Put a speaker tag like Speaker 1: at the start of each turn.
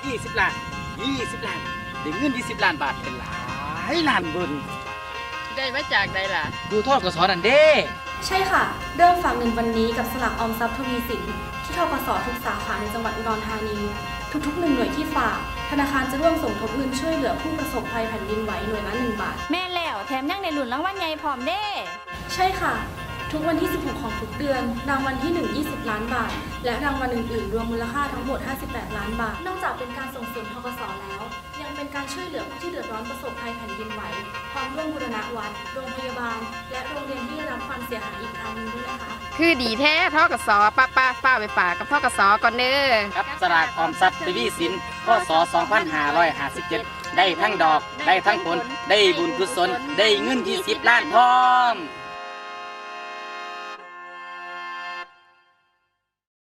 Speaker 1: 20 ล้าน20 ล้านได้เงิน20 ล้านบาทเป็นหลายล้านเบิ่น
Speaker 2: ได้มาจากใดล่ะ
Speaker 1: ดูทอดกสนั่นเด้
Speaker 3: ใช่ค่ะ เริ่มฝากเงินวันนี้กับสลากออมทรัพย์ทวีสินที่ธกสทุกสาขาในจังหวัดอุดรธานี ทุกๆ1หน่วยที่ฝากธนาคารจะร่วมสมทบเงินช่วยเหลือผู้ประสบภัยแผ่นดินไหวหน่วยละ1 บาท
Speaker 4: แม่นแล้วแถมยังในหลุนรางวัลใหญ่พร้อมเด้
Speaker 3: ใช่ค่ะ ทุกวันที่ 16 ของทุกเดือน รางวัลที่ 1 20 ล้านบาท และรางวัลอื่นๆ รวมมูลค่าทั้งหมด 58 ล้านบาท นอกจากเป็นการส่งเสริมธกสแล้ว ยังเป็นการช่วยเหลือผู้ที่เดือดร้อนประสบภัยแผ่นดินไหวพร้อมร่วมบูรณะวัด โรงพยาบาล และโรงเรียนที่ได้รับความเสียหายอีกทางหนึงด้วยนะคะ
Speaker 2: คือดีแท้ทกสป้าไปฝากกับทกสก่อนเด้อ
Speaker 1: ครับสลากออมทรัพย์ทวีสินพศ2557ได้ทั้งดอกได้ทั้งผลได้บุญกุศลได้เงิน20 ล้านพร้อม